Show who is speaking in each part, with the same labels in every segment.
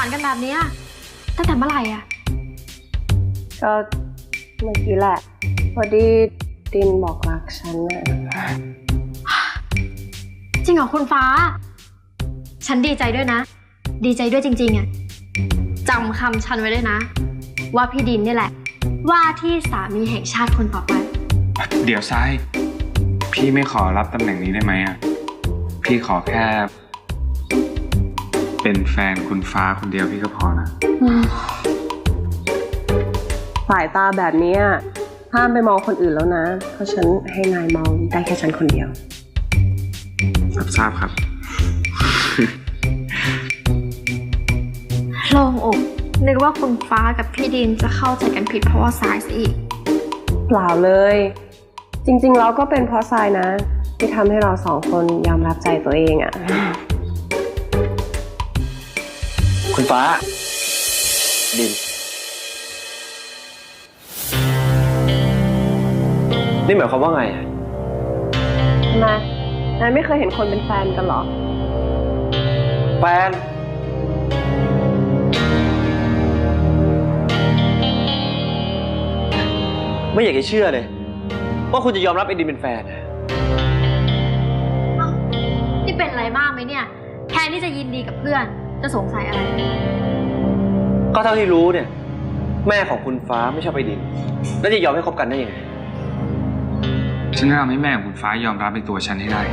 Speaker 1: านกันแบบนี้ตั้งแต่เมื่อไหร่อะ
Speaker 2: ก็เมื่อกี้แหละพอดีดินบอกรักฉันน่ะ
Speaker 1: จริงเหรอคุณฟ้าฉันดีใจด้วยนะดีใจด้วยจริงๆอะจำคำฉันไว้ด้วยนะว่าพี่ดินนี่แหละว่าที่สามีแห่งชาติคนต่อไป
Speaker 3: เดี๋ยวทรายพี่ไม่ขอรับตำแหน่งนี้ได้ไหมอ่ะพี่ขอแค่เป็นแฟนคุณฟ้าคนเดียวพี่ก็พอนะ
Speaker 2: สายตาแบบนี้ห้ามไปมองคนอื่นแล้วนะเพราะฉันให้นายมองได้แค่ฉันคนเดียว
Speaker 3: รับทราบครับ
Speaker 1: โล่งอกนึกว่าคุณฟ้ากับพี่ดินจะเข้าใจกันผิดเพราะว่าสายซะอีก
Speaker 2: เปล่าเลยจริงๆเราก็เป็นเพราะทรายนะที่ทำให้เราสองคนยอมรับใจตัวเองอะ
Speaker 4: คุณฟ้าดินนี่หมายความว่าไง
Speaker 2: ทำไมนายไม่เคยเห็นคนเป็นแฟนกันหรอ
Speaker 4: แฟนไม่อยากจะเชื่อเลยว่าคุณจะยอมรับไอ้ดินเป็นแฟน
Speaker 1: นี่เป็นอะไรมากไหมเนี่ยแทนที่จะยินดีกับเพื่อนจะสงสัยอะไร
Speaker 4: ก็เท่าที่รู้เนี่ยแม่ของคุณฟ้าไม่ชอบไอ้ดินแล้วจะยอมให้คบกันได้ยังไง
Speaker 3: ฉันจะทำให้แม่ของคุณฟ้ายอมรับในตัวฉันให้ได้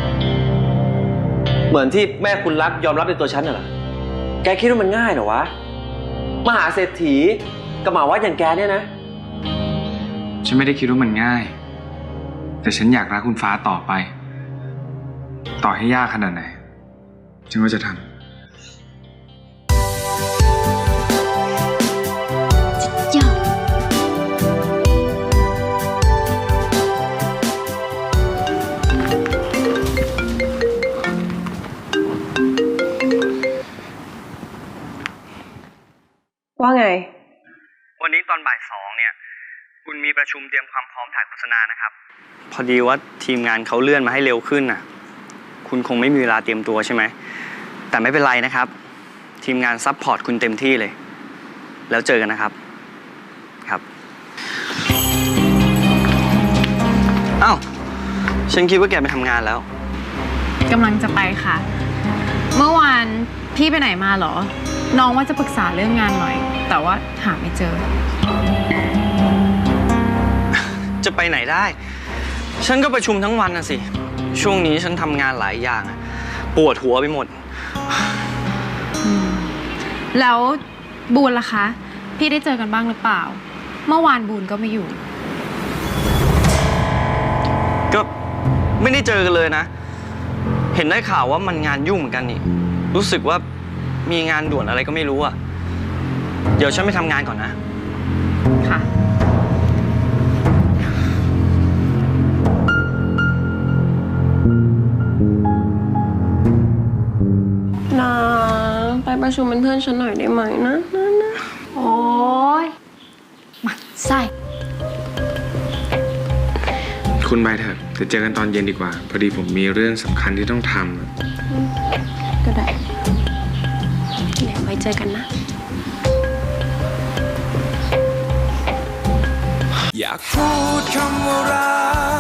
Speaker 4: เหมือนที่แม่คุณรักยอมรับในตัวฉันน่ะเหรอแกคิดว่ามันง่ายเหรอวะมหาเศรษฐีกับหมาวัดอย่างแกเนี่ยนะ
Speaker 3: ฉันไม่ได้คิดว่ามันง่ายแต่ฉันอยากรักคุณฟ้าต่อไปต่อให้ยากขนาดไหนฉันก็จะทำ
Speaker 2: ว่าไง
Speaker 5: วันนี้ตอนบ่าย2เนี่ยคุณมีประชุมเตรียมความพร้อมถ่ายโฆษณานะครับพอดีว่าทีมงานเขาเลื่อนมาให้เร็วขึ้นน่ะคุณคงไม่มีเวลาเตรียมตัวใช่ไหมแต่ไม่เป็นไรนะครับทีมงานซัพพอร์ตคุณเต็มที่เลยแล้วเจอกันนะครับครับอ้าวฉันคิดว่าแกไปทำงานแล้ว
Speaker 6: กำลังจะไปค่ะเมื่อวานพี่ไปไหนมาเหรอน้องว่าจะปรึกษาเรื่องงานหน่อยแต่ว่าหาไม่เจอ
Speaker 5: จะไปไหนได้ฉันก็ประชุมทั้งวันน่ะสิช่วงนี้ฉันทำงานหลายอย่างปวดหัวไปหมด
Speaker 6: แล้วบูนล่ะคะพี่ได้เจอกันบ้างหรือเปล่าเมื่อวานบูนก็ไม่อยู่
Speaker 5: ก็ไม่ได้เจอกันเลยนะเห็นได้ข่าวว่ามันงานยุ่งเหมือนกันนี่รู้สึกว่ามีงานด่วนอะไรก็ไม่รู้อ่ะเดี๋ยวฉันไปทำงานก่อนนะ
Speaker 6: ค่ะ
Speaker 2: นะไปประชุมเป็นเพื่อนฉันหน่อยได้ไหมนะ
Speaker 1: โอ้ยหมั่นไส้
Speaker 3: คุณไปเถอะเดี๋ยวเจอกันตอนเย็นดีกว่าพอดีผมมีเรื่องสำคัญที่ต้องทำ
Speaker 2: ก็ได้เดี๋ยวไว้เจอกันนะ
Speaker 7: อยากพูดคำว่ารั